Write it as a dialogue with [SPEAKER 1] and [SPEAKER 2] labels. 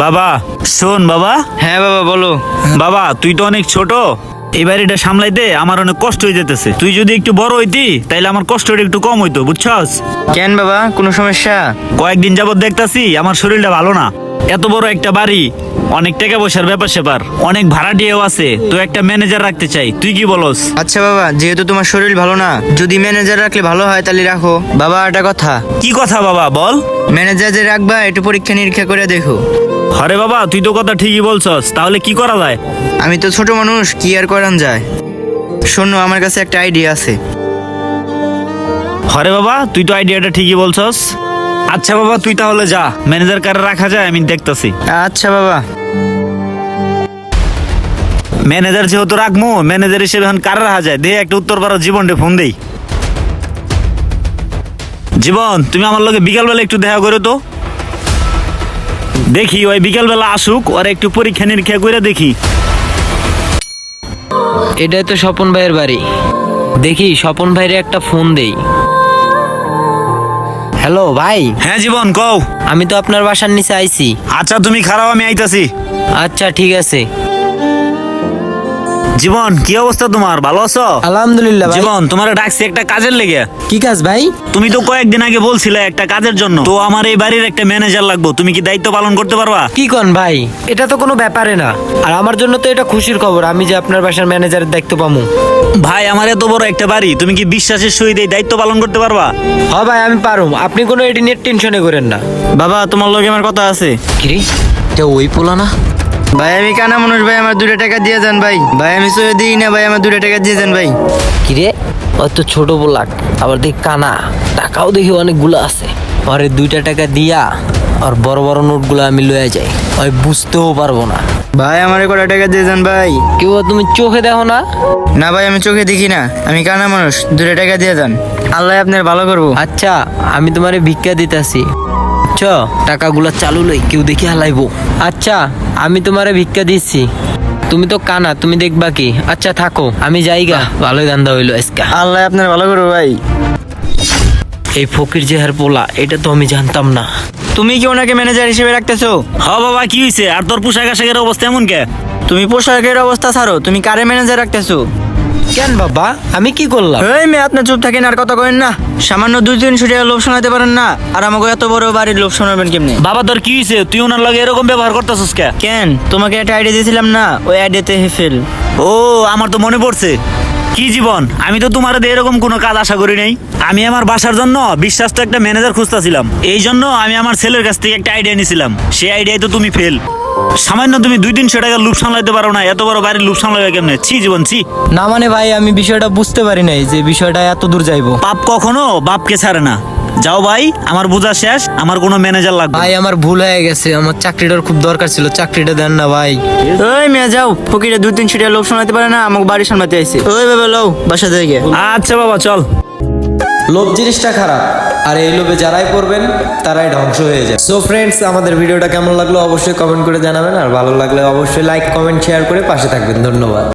[SPEAKER 1] বাবা শোন বাবা।
[SPEAKER 2] হ্যাঁ বাবা বলো।
[SPEAKER 1] বাবা তুই তো অনেক ছোট, এই বাড়িটা সামলাইতে আমার অনেক কষ্ট হয়ে যেতেছে। তুই যদি একটু বড় হইতি তাইলে আমার কষ্টটা একটু কম হইতো, বুঝছস?
[SPEAKER 2] কেন বাবা, কোনো সমস্যা?
[SPEAKER 1] কয়েকদিন যাবত দেখতাছি আমার শরীরটা ভালো না। এত বড় একটা বাড়ি, অনেক টাকা পয়সার ব্যাপার স্যাপার, অনেক ভাড়াটিয়াও আছে, তো একটা ম্যানেজার রাখতে চাই, তুই কি বলস?
[SPEAKER 2] আচ্ছা বাবা, যেহেতু তোমার শরীর ভালো না, যদি ম্যানেজার রাখলে ভালো হয় তাহলে রাখো। বাবা একটা কথা।
[SPEAKER 1] কি কথা বাবা বল?
[SPEAKER 2] ম্যানেজার যে রাখবা একটু পরীক্ষা নিরীক্ষা করে দেখো।
[SPEAKER 1] আরে বাবা তুই তো কথা ঠিকই বলছস, তাহলে কি করা যায়?
[SPEAKER 2] আমি তো ছোট মানুষ, কি আর করান যায়। শোনো, আমার কাছে একটা আইডিয়া আছে।
[SPEAKER 1] আরে বাবা তুই তো আইডিয়াটা ঠিকই বলছস। আচ্ছা বাবা তুই তাহলে যা, ম্যানেজার কারে রাখা যায় আমি দেখতাছি।
[SPEAKER 2] আচ্ছা বাবা।
[SPEAKER 1] ম্যানেজার যেহেতু রাখবো, ম্যানেজার হিসেবে এখন কার রাখা যায়, দে একটা উত্তর পারো জীবনটা ফোন দেই। জীবন তুমি আমার লগে বিকালবেলা একটু দেখা করো তো। দেখি ওই বিকালবেলা আসুক, ওর একটু পরীক্ষা নিরীক্ষা করে দেখি।
[SPEAKER 3] এটাই তো স্বপন ভাইয়ের বাড়ি। দেখি স্বপন ভাইয়ের একটা ফোন দেই। হ্যালো ভাই,
[SPEAKER 1] হ্যাঁ জীবন কও।
[SPEAKER 3] আমি তো আপনার বাসার নিচে আইছি।
[SPEAKER 1] আচ্ছা তুমি খারাপ, আমি আইতাছি।
[SPEAKER 3] আচ্ছা ঠিক আছে।
[SPEAKER 1] জীবন কি অবস্থা তোমার, ভালো আছো?
[SPEAKER 3] আলহামদুলিল্লাহ ভাই।
[SPEAKER 1] জীবন তোমার ডাকছি একটা কাজের লেগে।
[SPEAKER 3] কি কাজ ভাই?
[SPEAKER 1] তুমি তো কয়েকদিন আগে বলছিলে একটা কাজের জন্য, তো আমার এই বাড়ির একটা ম্যানেজার লাগবে, তুমি কি দায়িত্ব পালন করতে পারবা?
[SPEAKER 3] কি কন ভাই, এটা তো কোনো ব্যাপারে না। আর আমার জন্য তো এটা খুশির খবর, আমি যে আপনার বাসার ম্যানেজারের দায়িত্ব পাবো।
[SPEAKER 1] ভাই আমার এত বড় একটা বাড়ি, তুমি কি বিশ্বাসের সহিত এই দায়িত্ব পালন করতে পারবা?
[SPEAKER 3] হ্যাঁ ভাই আমি পারুম, আপনি কোনো এটি নিয়ে টেনশনে করেন না।
[SPEAKER 2] বাবা তোমার লগে আমার কথা আছে।
[SPEAKER 3] কিরে, এটা ওই পোলা না?
[SPEAKER 2] ভাই আমি কানা মানুষ, ভাই আমার 2 টাকা দিয়ে যান ভাই। ভাই আমি সয়ে দিই না ভাই, আমার 2 টাকা দিয়ে যান ভাই।
[SPEAKER 3] কিরে, ওই তো ছোট পোলাক, আবার দেখ কানা, টাকাও দেখি অনেকগুলো আছে। পরে 2 টাকা দিয়া আর বড় বড় নোটগুলো আমি লয়ে যাই, ওই বুঝতেও পারবো না।
[SPEAKER 2] ভাই আমার কটা টাকা দিয়ে যান ভাই।
[SPEAKER 3] কেউ তুমি চোখে দেখো না?
[SPEAKER 2] না ভাই আমি চোখে দেখি না, আমি কানা মানুষ, 2 টাকা দিয়ে যান। আল্লাহ আপনার ভালো করবো।
[SPEAKER 3] আচ্ছা আমি তোমারে ভিক্ষা দিতেছি, চ টাকাগুলো চালু লই, কেউ দেখি হালাইবো। আচ্ছা আমি তোমারে ভিক্ষা দিচ্ছি, তুমি তো কানা, তুমি দেখবা কি। আচ্ছা থাকো, আমি যাইগা। ভালোই ধান্দা হইলো আজকা।
[SPEAKER 2] আল্লাহ আপনার ভালো করবো ভাই।
[SPEAKER 3] এই ফকির জেহার পোলা, এটা তো আমি জানতাম না।
[SPEAKER 2] তুমি কি ওনাকে ম্যানেজার হিসেবে রাখতেছো?
[SPEAKER 1] হ বাবা কি হয়েছে, আর তোর পোশাক আশাকের অবস্থা এমন কে?
[SPEAKER 2] তুমি পোশাকের অবস্থা ছাড়ো, তুমি কারে ম্যানেজার রাখতেছো?
[SPEAKER 3] কেন বাবা, আমি কি করলাম?
[SPEAKER 2] এই মেয়ে আপনি চুপ থাকেন, আর কথা কইেন না। সামান্য 2-300 টাকা লোভ শোনাতে পারেন না, আর আমাকে এত বড় বাড়ির লোভ শোনাবেন কেমনে?
[SPEAKER 1] বাবা তোর কি হয়েছে, তুই ওনার লগে এরকম ব্যবহার করতেছিস কে?
[SPEAKER 2] কেন, তোমাকে একটা আইডিয়া দিয়েছিলাম না, ওই আইডিয়াতে হেফেল।
[SPEAKER 1] ও আমার তো মনে পড়ছে। কি জীবন, আমি তো তোমার দিয়ে এরকম কোনো কাজ আশা করি নাই। আমি আমার বাসার জন্য বিশ্বাস্ত একটা ম্যানেজার খুঁজতেছিলাম, এই জন্য আমি আমার ছেলের কাছ থেকে একটা আইডিয়া নিয়েছিলাম, সেই আইডিয়ায় তো তুমি ফেল। সামান্য তুমি 2-300 টাকা লুপ সামলাইতে পারো না, এত বড় বাড়ির লুপ সামলাবে কেমনে? ছি জীবন ছি।
[SPEAKER 3] না মানে ভাই, আমি বিষয়টা বুঝতে পারি নাই যে বিষয়টা এত দূর যাইবো।
[SPEAKER 1] পাপ কখনো বাপকে ছাড়ে না। যাও ভাই, আমার বোঝা শেষ, আমার কোনো ম্যানেজার লাগবে।
[SPEAKER 3] ভাই আমার ভুল হয়ে গেছে, আমার চাকরিটার খুব দরকার ছিল, চাকরিটা দেন না ভাই।
[SPEAKER 2] ওই মেয়ে যাও, ফকিরে 2-300 টাকা লোভ শোনাতে পারে না, আমাকে বাড়ি সামলাতে আইছে। ওই বাবা লও বাসা থেকে।
[SPEAKER 1] আচ্ছা বাবা চল।
[SPEAKER 4] লোভ জিনিসটা খারাপ, আর এই লোভে যারাই পড়বেন তারাই ধ্বংস হয়ে যায়। সো ফ্রেন্ডস, আমাদের ভিডিওটা কেমন লাগলো অবশ্যই কমেন্ট করে জানাবেন, আর ভালো লাগলে অবশ্যই লাইক কমেন্ট শেয়ার করে পাশে থাকবেন। ধন্যবাদ।